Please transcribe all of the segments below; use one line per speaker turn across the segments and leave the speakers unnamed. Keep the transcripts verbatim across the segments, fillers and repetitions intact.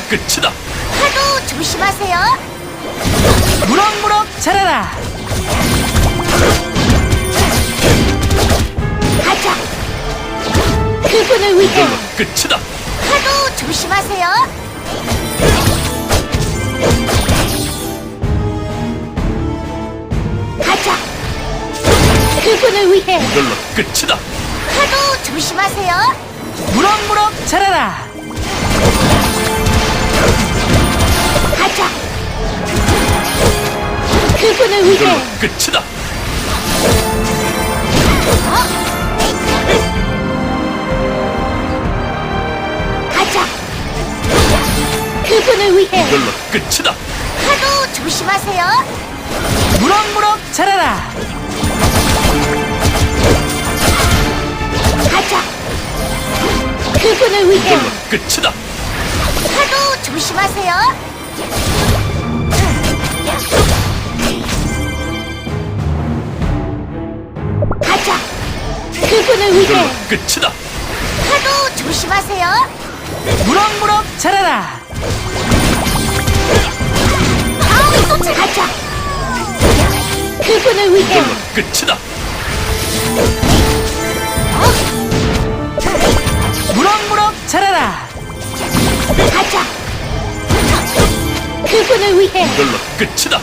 끝이다.
파도 조심하세요.
무럭무럭 자라라.
가자. 그분을 위해
이걸로 끝이다.
파도 조심하세요. 가자. 그분을 위해
이걸로 끝이다.
파도 조심하세요.
무럭무럭 자라라.
가자. 그분을
이걸로
위해
끝이다.
가자. 그분을 위해
이걸로 끝이다.
파도 조심하세요.
무럭무럭 자라라.
가자. 그분을 위해
이걸로 끝이다.
파도 조심하세요. 가자. 그분을
이걸로
위해
끝이다.
파도 조심하세요.
무럭무럭 자라라.
다음에 또 가자. 그분을 위해
이걸로 끝이다.
무럭무럭 자라라.
가자. 그분을 위해
이걸로 끝이다.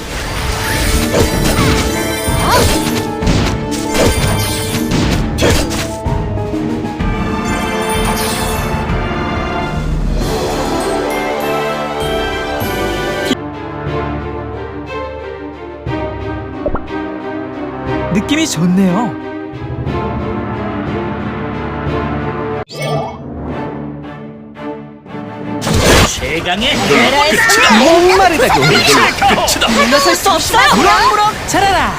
느낌이 좋네요.
최강의
이걸로 끝이다.
목마르다고.
이걸로 끝이다.
물러설 수 없어요.
무럭무럭 자라라.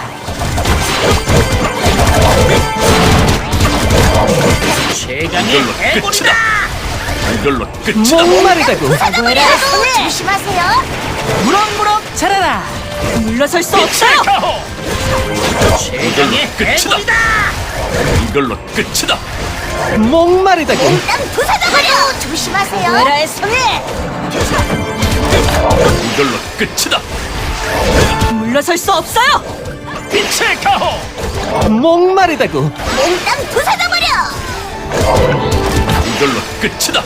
최강의
이걸로
해골이다.
끝이다. 이걸로 끝이다.
목마르다고.
파도 조심하세요.
무럭무럭 자라라.
물러설 수
빛의 가호. 최강의
끝이다.
해골이다.
이걸로 끝이다.
목마르다고.
땅 부숴버려. 조심하세요. 나라의 손에
이걸로 끝이다.
물러설 수 없어요.
빛의 가호.
목마르다고.
몽땅 부숴버려.
이걸로 끝이다.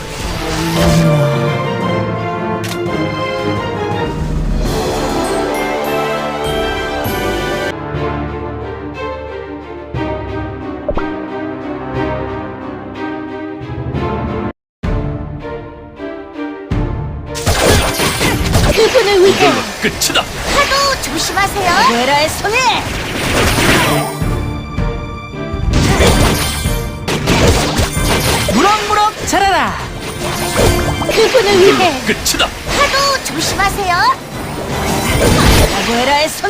그분을 위해
이걸로 끝이다.
파도 조심하세요. 나라의 손에
무럭무럭 자라라.
그분을
이걸로
위해
끝이다.
파도 조심하세요. 나라의 손에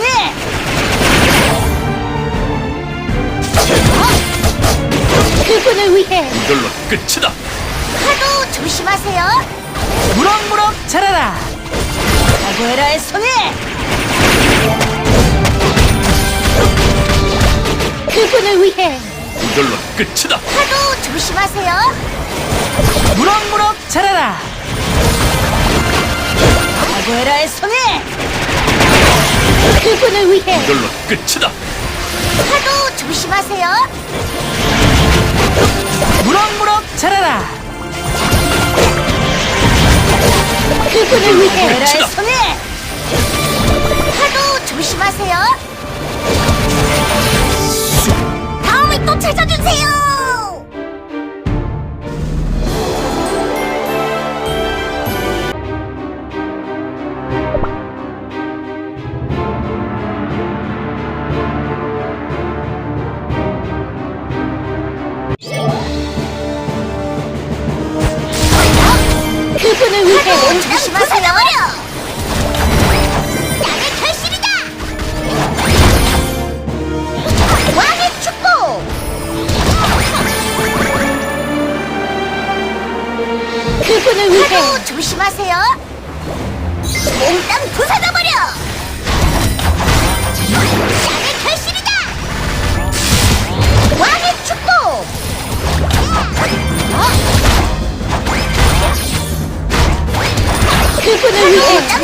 그분을 위해
이걸로 끝이다.
파도 조심하세요.
무럭무럭 자라라.
나라의 손에 그분을 위해
이걸로 끝이다.
파도 조심하세요.
무럭무럭 자라라.
나라의 손에 그분을 위해
이걸로 끝이다.
파도 조심하세요.
무럭무럭 자라라.
그분을 위해 나라의
끝이다.
손에 파도 조심하세요. 다음에 또 찾아주세요. 그분을 위해 조심하세요. 나의 결실이다. 왕의 축복. 그분을 위해 조심하세요. 몽땅 부숴버려. 나의 결실이다. 왕의 축복.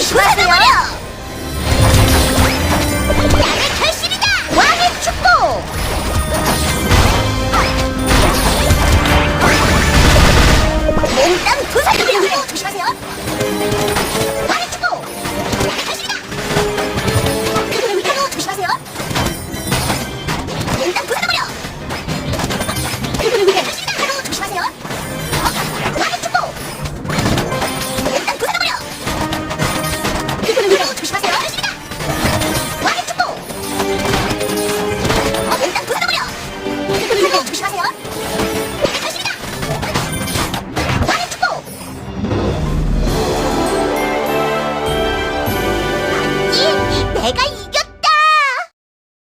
조심하세요. 나의 결실이다. 왕의 축복. 몽땅 부숴버려. 조심하세요. 왕의 축복. 나의 결실이다. 바로 조심하세요. 몽땅 부숴버려. 나의 결실이다. 바로 조심하세요. 왕의 축복. 몽땅 부숴버려.